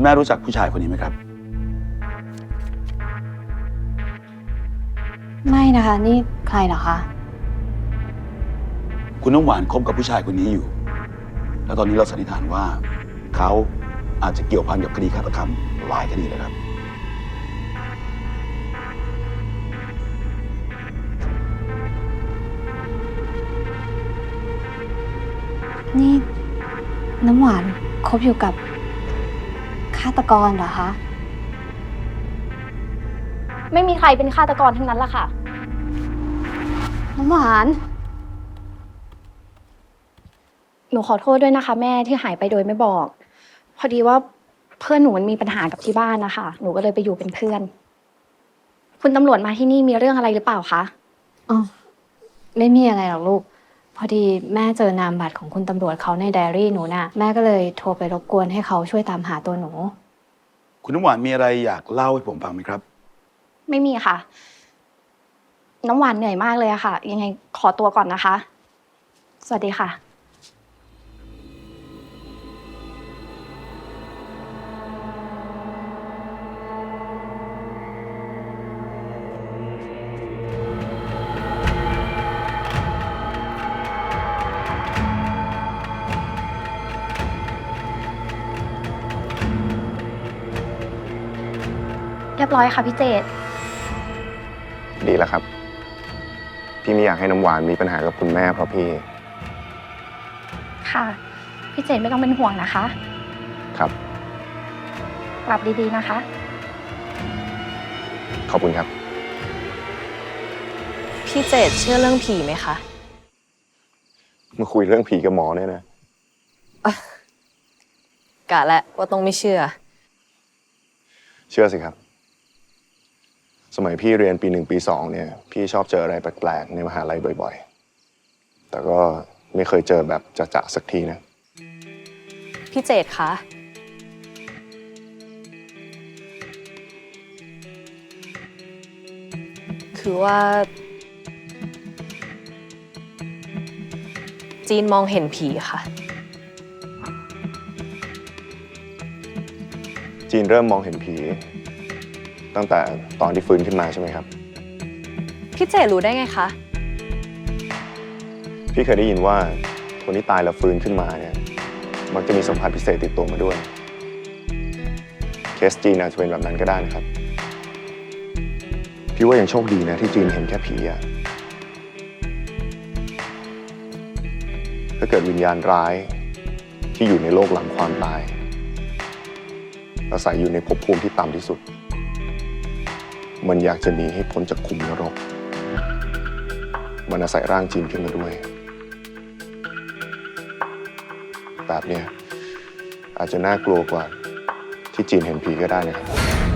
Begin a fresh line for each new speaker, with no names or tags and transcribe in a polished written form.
แม่รู้จักผู้ชายคนนี้ไหมครับ
ไม่นะคะนี่ใครเหรอคะ
คุณน้ำหวานคบกับผู้ชายคนนี้อยู่ แล้วตอนนี้เราสันนิษฐานว่าเขาอาจจะเกี่ยวพันกับคดีฆาตกรรมหลายคดีเลยครับ
นี่น้ำหวานคบอยู่กับฆาตกรเหรอคะ
ไม่มีใครเป็นฆาตกรทั้งนั้นล่ะค่ะ
น้ำหวาน
หนูขอโทษด้วยนะคะแม่ที่หายไปโดยไม่บอก พอดีว่าเพื่อนหนูมันมีปัญหากับที่บ้านนะคะ หนูก็เลยไปอยู่เป็นเพื่อน คุณตำรวจมาที่นี่มีเรื่องอะไรหรือเปล่าคะ
อ๋อไม่มีอะไรหรอกลูก พอดีแม่เจอนามบัตรของคุณตำรวจเขาในไดอารี่หนูน่ะแม่ก็เลยโทรไปรบกวนให้เขาช่วยตามหาตัวหนู
คุณน้ำหวานมีอะไรอยากเล่าให้ผมฟังไหมครับ
ไม่มีค่ะ น้ำหวานเหนื่อยมากเลยอะค่ะ ยังไงขอตัวก่อนนะคะ สวัสดีค่ะ เรียบร้อยค่ะพี่เจต
ดีแล้วครับ พี่ไม่อยากให้น้ำหวานมีปัญหากับคุณแม่เพราะพี่
ค่ะ พี่เจตไม่ต้องเป็นห่วงนะคะ
ครับ
กลับดีๆนะคะ
ขอบคุณครับ
พี่เจตเชื่อเรื่องผีไหมคะ
มาคุยเรื่องผีกับหมอเนี่ยนะ
กะและว่าต้องไม่เชื่อ
เชื่อสิครับ สมัยพี่เรียนปี 1 ปี 2เนี่ย พี่ชอบเจออะไรแปลกๆในมหาลัยบ่อยๆ แต่ก็ไม่เคยเจอแบบจะๆสักทีนะ
พี่เจตคะ คือว่า จีนมองเห็นผีค่ะ
จีนเริ่มมองเห็นผี ตั้งแต่ตอนที่ฟื้นขึ้นมาใช่ไหมครับ
พี่เจตรู้ได้ไงคะ
พี่เคยได้ยินว่าคนที่ตายแล้วฟื้นขึ้นมาเนี่ยมักจะมีสัมผัสพิเศษติดตัวมาด้วย เคสจีนอาจจะเป็นแบบนั้นก็ได้นะครับ พี่ว่ายังโชคดีนะที่จีนเห็นแค่ผีอะถ้าเกิดวิญญาณร้ายที่อยู่ในโลกหลังความตายอาศัยอยู่ในภพภูมิที่ต่ำที่สุด มันอยากจะหนีให้พ้นจากขุมนรก มันอาศัยร่างจีนขึ้นมาด้วย แบบเนี้ยอาจจะน่ากลัวกว่าที่จีนเห็นผีก็ได้นะครับ